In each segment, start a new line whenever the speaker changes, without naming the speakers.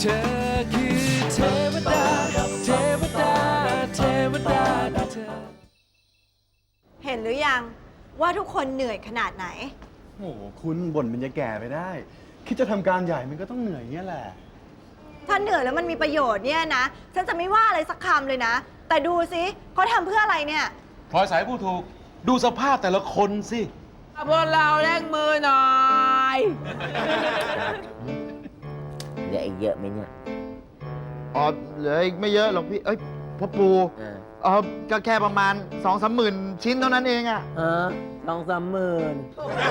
เธอคือเทวดาเทวดาเทวดาเธอ
เห็นหรือยังว่าทุกคนเหนื่อยขนาดไหน
โอ้โหคุณบ่นมันจะแก่ไปได้ คิดจะทำการใหญ่มันก็ต้องเหนื่อยเงี้ยแหละ
ถ้าเหนื่อยแล้วมันมีประโยชน์เนี่ยนะฉันจะไม่ว่าอะไรสักคำเลยนะ แต่ดูสิเขาทำเพื่ออะไรเนี่ย
พลอยสายผู้ถูก ดูสภาพแต่ละคนสิ
พวกเราแลกมือหน่อย
เหลืออีกเยอะไหมเนี่ย
อ๋อเหลืออีกไม่เยอะหรอกพี่ เอ้ยพ่อปู ก็แค่ประมาณ 2-3 หมื่นชิ้นเท่านั้นเองอะ
2-3 หมื่น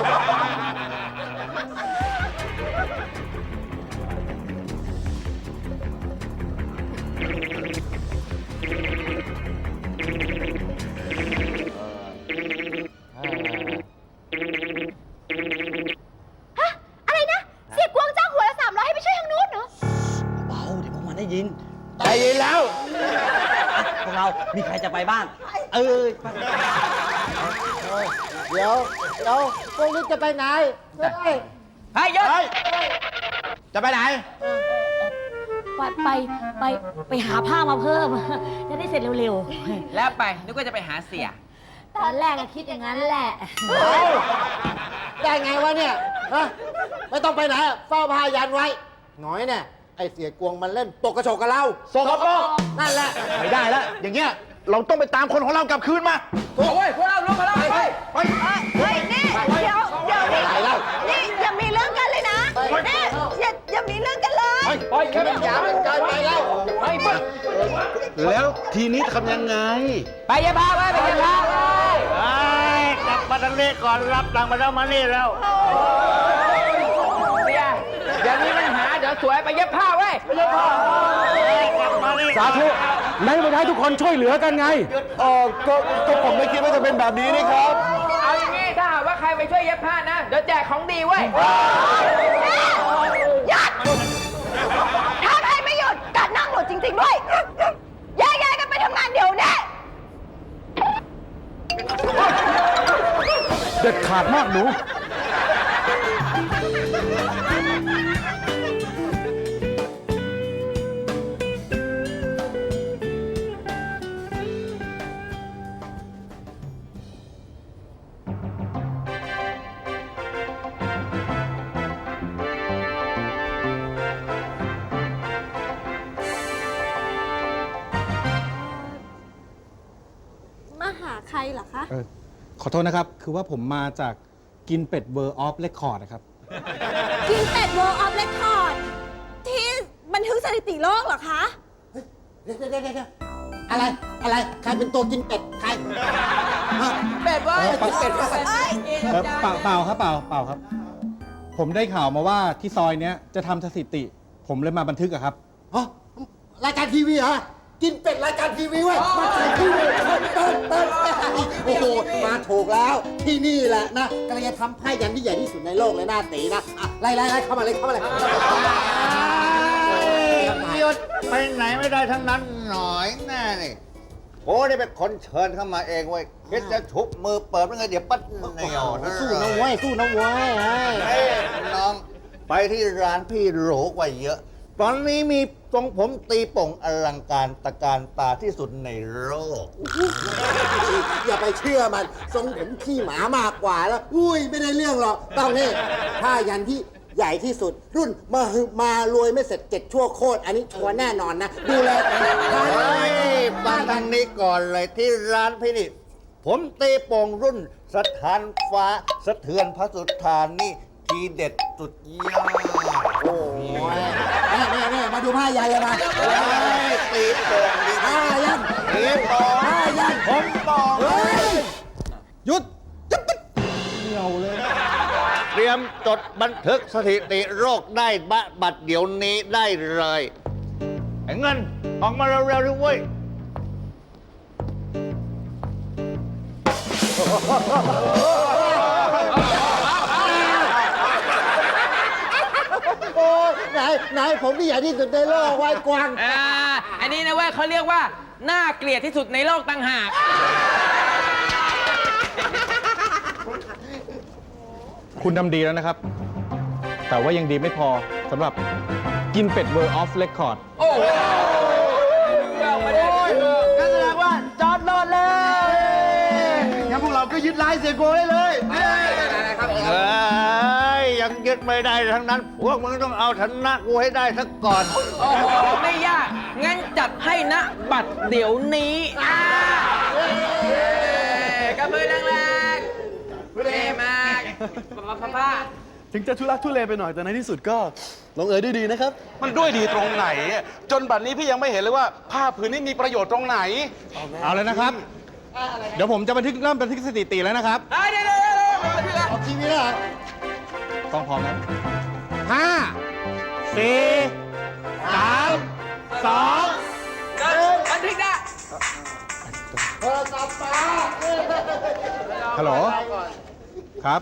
อะไรนะ เสียกวงจ้างหัวละ300ให้ไปช่วยทางนู้นเหรอ
เบาเดี๋ยวพวกมันได้ยินได้ยินแล้วพวกเรา มีใครจะไปบ้าง
เดี๋ยวพวกนี้จะไปไหนเฮ้ย
ให้ยศ
จะไปไหน
ไปหาผ้ามาเพิ่ม จะได้เสร็จเร็ว
แล้วไปนึกว่าจะไปหาเสีย
ๆ ตอนแรกก็คิดอย่างนั้นแหละ
ได้ไงวะเนี่ยฮะไม่ต้องไปไหนอะเฝ้าพายันไว้หน่อยเนี่ยไอเสียกวงมันเล่นปกกระโฉกกับเราสกปรกนั่นแหละ
ไม่ได้แล้ว อย่างเงี้ย เราต้องไปตามคนของเรากลับคืนมา
โอ้ยพวกเราลุกมาแล้วไป
เฮ้ยนี่เดี๋ยวนี่
อะไรเล่า
นี่อย่ามีเรื่องกันเลยนะนี่อย่ามีเรื่องกันเลย
ปล่อยแค่เป็น
อย่ามันเกินไปแล้ว
แล้วทีนี้ทำยังไง
ไปยาพาไปยาพาไป
กลับมาทางนี้ก่อนรับตังค์มาแล้วมานี่แล้ว
เสียเดี๋ยวนี้มันหาเดี๋ยวสวยไปเย็บผ้าไว้
สาธุไหนมาให้ทุกคนช่วยเหลือกันไงก็ผมไม่คิดว่าจะเป็นแบบนี้นี่ครับ
เอาอย่างงี้ถ้าหากว่าใครไปช่วยเย็บผ้านะ เดี๋ยวแจกของดีไว้ย
หยุดถ้าใครไม่หยุดกัดนั่งหลุดจริงๆด้วยแยกกันไปทำงานเดี๋ยวนี้
เด็ดขาดมากหนู
มาหาใครเหรอคะ
ขอโทษนะครับ คือว่าผมมาจากกินเป็ดเวอร์ออฟเรคคอร์ดนะครับ
กินเป็ด World of Record ที่บันทึกสถิติโลกเหรอคะ
เดี๋ยวอะไรใครเป็นตัวกินเป็ดใครฮะ
เป็ดเว้ย
เป็ด
เปล่าครับเปล่าครับ ผมได้ข่าวมาว่าที่ซอยเนี้ยจะทำสถิติ ผมเลยมาบันทึกอะครับ
ฮะรายการทีวีเหรอกินเป็ดรายการทีวีเว้ยมาถ่ายทีวีโอ้โหมาถูกแล้วที่นี่แหละนะกำลังจะทำไพ่ยันที่ใหญ่ที่สุดในโลกเลยหน้าตีนะอ่ะไล่เข้ามาเลย
หยุดไปไหนไม่ได้ทั้งนั้นหน่อยแน่นี่โอ้นี่เป็นคนเชิญเข้ามาเองเว้ยคิดจะชุบมือเปิดมันไงเดี๋ยวปั๊ดเหนียวนะ
สู้นะเว้ย
เฮ้ยน้องไปที่ร้านพี่โหลกว่าเยอะ ตอนนี้มีทรงผมตีโป่งอลังการตะการตาที่สุดในโลก
อย่าไปเชื่อมันทรงผมขี้หมามากกว่าแล้วอุ้ยไม่ได้เรื่องหรอกต้องนี่ผ้ายันที่ใหญ่ที่สุด รุ่นมารวยไม่เสร็จ7ชั่วโคตรอันนี้ชัวร์แน่นอนนะดูแล
ฟังทางนี้ก่อนเลยที่ร้านพี่นี่ ผมตีโป่งรุ่นสถานฟ้าสะเทือนพระสุธานี่ทีเด็ดสุดยอด
โอ้ยนี่มาดูผ้ายันเลยมา
ตีโป่งดิ
ผ้ายัน
ตีโป่ง
ผ้ายัน
ผมบอก
เฮ้ย
หยุดเหนียวเลย
เตรียมจดบันทึกสถิติโรคได้บัดเดี๋ยวนี้ได้เลยไอ้เงินออกมาเร็วๆด้วยเว้ย
โอ้ไหนผมที่ใหญ่ที่สุดในโลกไว้กวาง
อันนี้นะเว้ยเขาเรียกว่าน่าเกลียดที่สุดในโลกต่างหาก
คุณทำดีแล้วนะครับ แต่ว่ายังดีไม่พอสำหรับกินเป็ด World of Record
โอ้โหเอามาได้
งั้นแสดงว่าจอดรอดเลยงั้นพวกเราก็ยึดลายเสียโกได้เลย
เอ้ยยังยึดไม่ได้ทั้งนั้น พวกมึงต้องเอาชนะกูให้ได้สักก่อน
โอ้โหไม่ยาก งั้นจัดให้นะบัตรเดี๋ยวนี้กับมือแรงๆเท่มากป้า
ถึงจะทุลักทุเลไปหน่อยแต่ในที่สุดก็ลงเอยด้วยดีนะครับ
มันด้วยดีตรงไหน จนบัดนี้พี่ยังไม่เห็นเลยว่าผ้าผืนนี้มีประโยชน์ตรงไหน
เอาเลยนะครับ เดี๋ยวผมจะเริ่มบันทึกสถิติแล้วนะครับ
เดี๋ยว
เอาทีวีแล้วเหรอ
ต้องพร้อมนะ5 4 3 2
บันทึกนะ
ฮัลโหล ครับ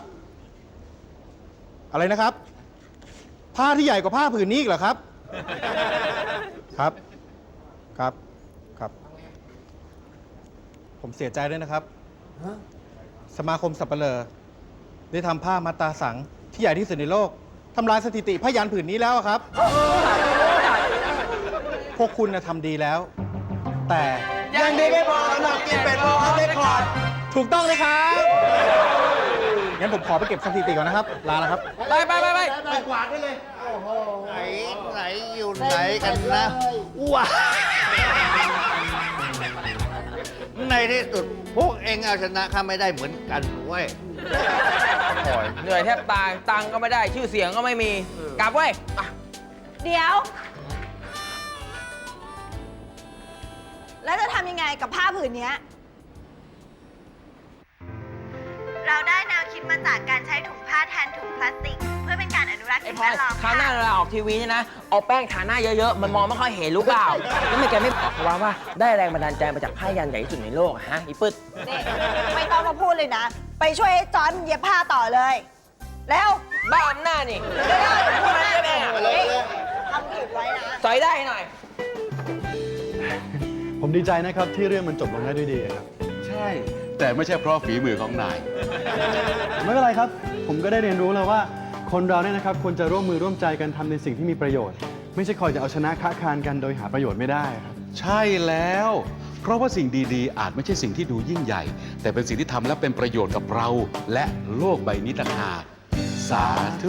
อะไรนะครับ ผ้าที่ใหญ่กว่าผ้าผืนนี้อีกเหรอครับ ครับ ครับ ครับ ผมเสียใจด้วยนะครับ สมาคมสัปเหร่อได้ทำผ้ามาตราสังที่ใหญ่ที่สุดในโลกทำลายสถิติผ้ายันผืนนี้แล้วอะครับ พวกคุณทำดีแล้ว แต่
ยังดีไม่พอสำหรับกินเป็ดโลออฟเรคคอร์ด
ถูกต้องเลยครับ งั้นผมขอไปเก็บสถิติก่อนนะครับ ลาแล้วครับ
ไป
ไหนอยู่ไหนกันนะว้าในที่สุดพวกเองเอาชนะข้าไม่ได้เหมือนกันเว้ย
เหนื่อยแทบตาย ตังค์ก็ไม่ได้ ชื่อเสียงก็ไม่มี กลับเว้ย
เดี๋ยว แล้วจะทำยังไงกับผ้าผืนเนี้ย เราได้แนวคิดมาจากการใช้ถุงผ้าแทนถุงพลาสติก เพื่อเป็นการอนุรักษ์
ไอ้
สิ่ง
พล
แว
อย
ดล้อม
คราวหน้า
ค่ะ
เราออกทีวีเนี่ยนะ เอาแป้งทาหน้าเยอะๆ มันมองไม่ค่อยเห็นรู้เปล่า แล้วไม่แกไม่บอกว่าได้แรงบันดาลใจมาจากผ้ายันใหญ่ที่สุดในโลกอะฮะอีปึ๊ด
นี่ไม่ต้องมาพูดเลยนะ ไปช่วยไอ้จอนเย็บผ้าต่อเลย แล้ว
บ้าอำนาจนี่
เร็วๆ
พูดมาได้ไหมอะ
ทำผิดไว้นะ
สอยได้หน่อย
ผมดีใจนะครับที่เรื่องมันจบลงได้ด้วยดีครับ
ใช่ แต่ไม่ใช่เพราะฝีมือของนาย
ไม่เป็นไรครับ ผมก็ได้เรียนรู้แล้วว่า คนเราเนี่ยนะครับควรจะร่วมมือร่วมใจกันทำในสิ่งที่มีประโยชน์ ไม่ใช่คอยจะเอาชนะค้าคานกันโดยหาประโยชน์ไม่ได้ครับ
ใช่แล้ว เพราะว่าสิ่งดีๆ อาจไม่ใช่สิ่งที่ดูยิ่งใหญ่ แต่เป็นสิ่งที่ทำและเป็นประโยชน์กับเรา และโลกใบนี้ต่างหากสาธุ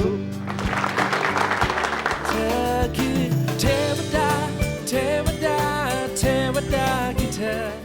เธอคือเทวดา เทวดา เทวดาคือเธอ